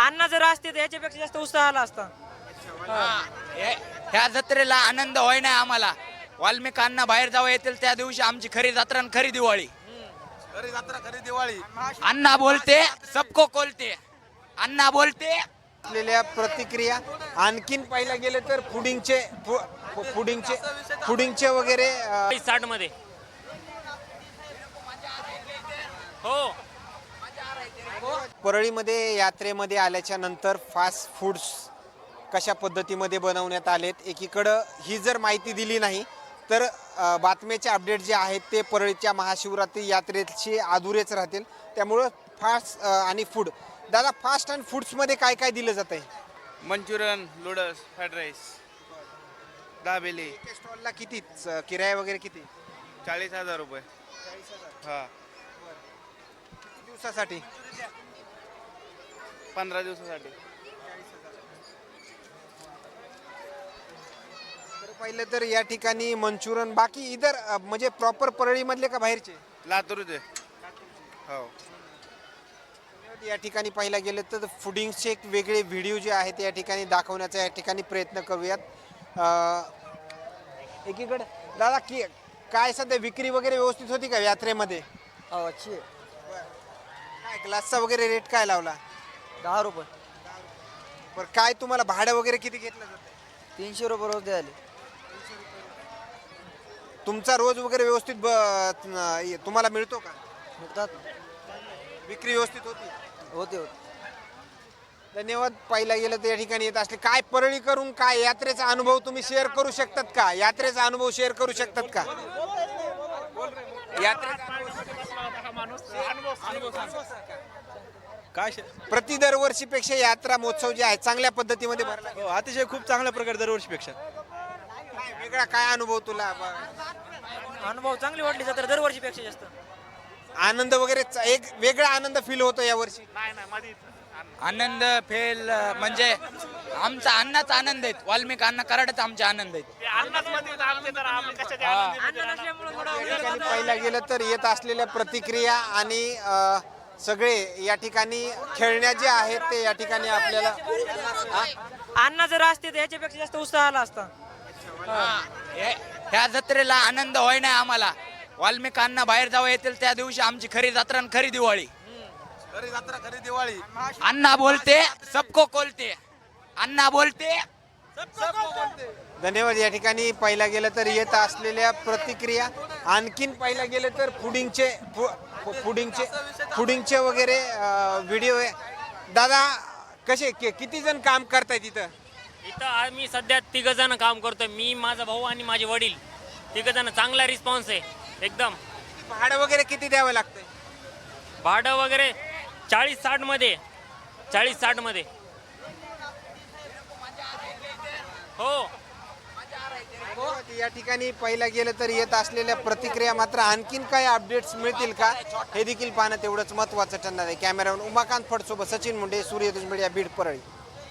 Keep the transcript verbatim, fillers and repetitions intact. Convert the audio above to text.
अण्णा जर असते तर याच्यापेक्षा जास्त उत्साह आला असता. ह्या जत्रेला आनंद होय नाही आम्हाला. वाल्मिक अण्णा बाहेर जावं येतील त्या दिवशी आमची खरी जत्रा आणि खरी दिवाळी. खरी जत्रा खरी दिवाळी. अण्णा बोलते सबको कोलते. अण्णा बोलते. असलेल्या प्रतिक्रिया आणखीन पाहिला गेले तर फुडिंगचे फुडिंगचे फुडिंगचे वगैरे अ, साठ मध्ये हो. परळीमध्ये यात्रेमध्ये आल्याच्या नंतर फास्ट फूड्स कशा पद्धतीमध्ये बनवण्यात आलेत, एकीकडं ही जर माहिती दिली नाही तर अ, बातम्याचे अपडेट जे आहेत ते परळीच्या महाशिवरात्री यात्रेचे अधुरेच राहतील. त्यामुळं फास्ट अ, आणि फूड. दादा, फास्ट अँड फूड्समध्ये काय काय दिलं जात आहे? Manchurian, noodles, fried rice, dabeli. स्टॉलला किती च- किराया वगैरे किती? चाळीस हजार रुपये. हा, किती दिवसासाठी? पंधरा दिवसासाठी. तर पाहिलं तर या ठिकाणी मंचुरियन, बाकी इधर अ, म्हणजे प्रॉपर परळीमधले का बाहेरचे? लातूरचे. हो. या ठिकाणी पाहिला गेलं तर फुडिंगचे एक वेगळे व्हिडिओ जे आहेत या ठिकाणी दाखवण्याचा या ठिकाणी प्रयत्न करूयात. अ, एकीकडे दादा की काय सध्या विक्री वगैरे व्यवस्थित होती का यात्रेमध्ये? अच्छी आहे. काय ग्लासचा वगैरे रेट काय लावला? दहा रुपये. बरं, काय तुम्हाला भाडं वगैरे किती घेतलं जातं? तीनशे रुपये रोज द्यायला. तुमचा रोज वगैरे व्यवस्थित ब- न- तुम्हाला मिळतो का? मिळतात. विक्री व्यवस्थित होती? होते होते. धन्यवाद. पाहिला गेलं तर या ठिकाणी येत असले काय परळी करून काय यात्रेचा अनुभव तुम्ही शेअर करू शकतात का? यात्रेचा अनुभव शेअर करू शकतात का? यात्रेचा काय प्रति दरवर्षीपेक्षा यात्रा महोत्सव जे आहे चांगल्या पद्धतीमध्ये भरला हो, अतिशय खूप चांगल्या प्रकारे दरवर्षीपेक्षा. काय वेगळा काय अनुभव तुला? अनुभव चांगली वाटली जत्रा दरवर्षीपेक्षा जास्त. आनंद वगैरे च- एक वेगळा आनंद फील होतो या वर्षी? आनंद फेल म्हणजे आमचा अण्णाचा आनंद आहेत. वाल्मिक अण्णा कराडच आमचे आनंद आहेत. या ठिकाणी पाहिला गेलं तर येत असलेल्या प्रतिक्रिया आणि अ, सगळे या ठिकाणी खेळण्या जे आहेत ते या ठिकाणी आपल्याला हा? अण्णा जर असते तर याच्यापेक्षा जास्त उत्साह आला असता. ह्या जत्रेला आनंद होय नाही आम्हाला. वाल्मिक अण्णा बाहेर जावं येतील त्या दिवशी आमची खरी जत्रा आणि खरी दिवाळी. खरी जत्रा खरी दिवाळी. अण्णा बोलते सबको कोलते. अण्णा बोलते. धन्यवाद. या ठिकाणी पाहिला गेलं तर येत असलेल्या प्रतिक्रिया आणखीन पाहिला गेलं तर फुडिंगचे फु- फुडिंगचे फुडिंगचे वगैरे व्हिडिओ आहे. दादा, कसे कि- किती जण काम करताय तिथं? इथं आम्ही सध्या तिघ जण काम करतोय. मी, माझा भाऊ आणि माझे वडील तिघ जण. चांगला रिस्पॉन्स आहे एकदम. भाडं वगैरे किती द्यावं लागतंय? भाडं वगैरे चाळीस साठ मध्ये चाळीस साठ मध्ये हो. या ठिकाणी पाहिला गेलं तर येत असलेल्या प्रतिक्रिया मात्र आणखीन काही अपडेट्स मिळतील का हे देखील पाहणं तेवढंच महत्त्वाचं ठरणार आहे. कॅमेरामॅन उमाकांत फडसोबत सचिन मुंडे, सूर्यदुज मीडिया, बीड, परळी.